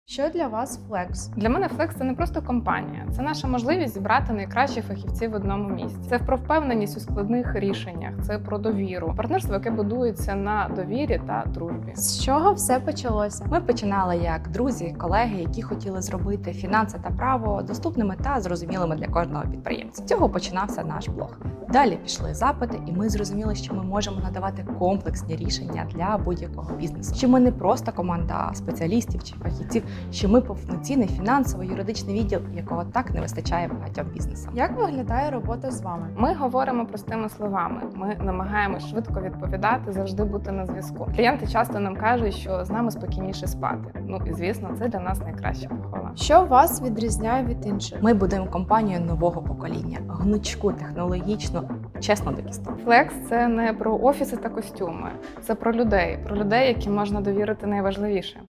Що для вас Flex? Для мене Flex – це не просто компанія, це наша можливість зібрати найкращих фахівців в одному місці. Це про впевненість у складних рішеннях, це про довіру, партнерство, яке будується на довірі та дружбі. З чого все почалося? Ми починали як друзі, колеги, які хотіли зробити фінанси та право доступними та зрозумілими для кожного підприємця. З цього починався наш блог. Далі пішли запити, і ми зрозуміли, що ми можемо надавати комплексні рішення для будь-якого бізнесу. Що ми не просто команда спеціалістів чи фахівців, що ми повноцінний фінансово-юридичний відділ, якого так не вистачає багатьом бізнесам. Як виглядає робота з вами? Ми говоримо простими словами. Ми намагаємось швидко відповідати, завжди бути на зв'язку. Клієнти часто нам кажуть, що з нами спокійніше спати. Ну і звісно, це для нас найкраща похвала. Що вас відрізняє від інших? Ми будемо компанію нового покоління, гнучку, технологічну, чесно до кісток. Flex – це не про офіси та костюми, це про людей, які можна довірити найважливіше.